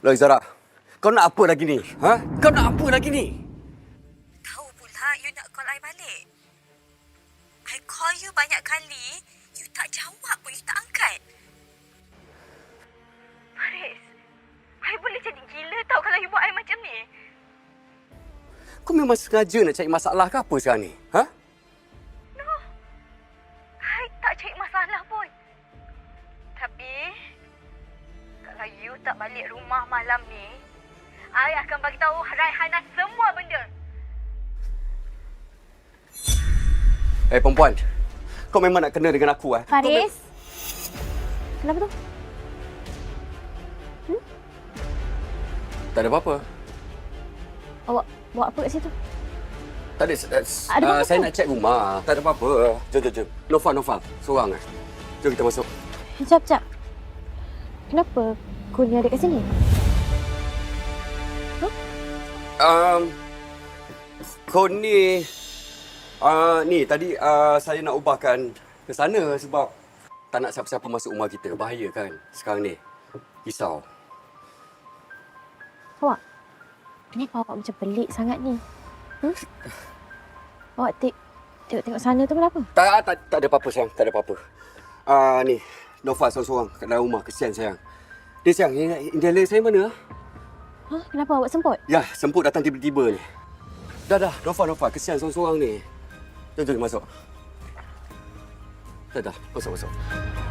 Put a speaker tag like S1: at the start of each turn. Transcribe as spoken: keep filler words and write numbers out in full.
S1: Loh Zara, kau nak apa lagi ni? Ha? Kau nak apa lagi ni?
S2: Tahu pula you nak call I balik. I call you banyak kali, you tak jawab pun, you tak angkat. Faris, I boleh jadi gila tau kalau you buat I macam ni.
S1: Kau memang sengaja nak cari masalah ke apa sekarang ni? Ha?
S2: No, I tak cari masalah pun. Tapi, kalau you tak balik rumah malam ni, I akan bagi tahu Raihana semua benda.
S1: Eh perempuan, kau memang nak kena dengan aku eh?
S3: Faris? Kenapa tu?
S1: Hmm? Tak ada apa-apa.
S3: Awak buat apa kat situ?
S1: Tak ada. Uh,
S3: Ada apa-apa?
S1: saya nak cek rumah. Tak ada apa-apa. Jom, jom, jom. Nofa, Nofa. Seorang eh. Jom kita masuk.
S3: Sekejap, sekejap. Kenapa kau ni ada kat sini?
S1: Um, kau ni... Uh, ni, tadi uh, saya nak ubahkan ke sana sebab tak nak siapa-siapa masuk rumah kita. Bahaya kan sekarang ni. Risau.
S3: Awak? Kenapa awak macam pelik sangat ni? Hmm? Awak tengok, tengok-tengok sana tu kenapa?
S1: Tak, tak, tak ada apa-apa sayang. Tak ada apa-apa. Uh, ni, Nofa seorang-seorang kat dalam rumah. Kesian sayang. Dia sayang, inhaler saya mana?
S3: Hah? Kenapa awak semput?
S1: Ya, semput datang tiba-tiba ni. Dah, dah. Nofa, Nofa. Kesian seorang-seorang ni. Jom, jom masuk. Dah, dah. Masuk, masuk.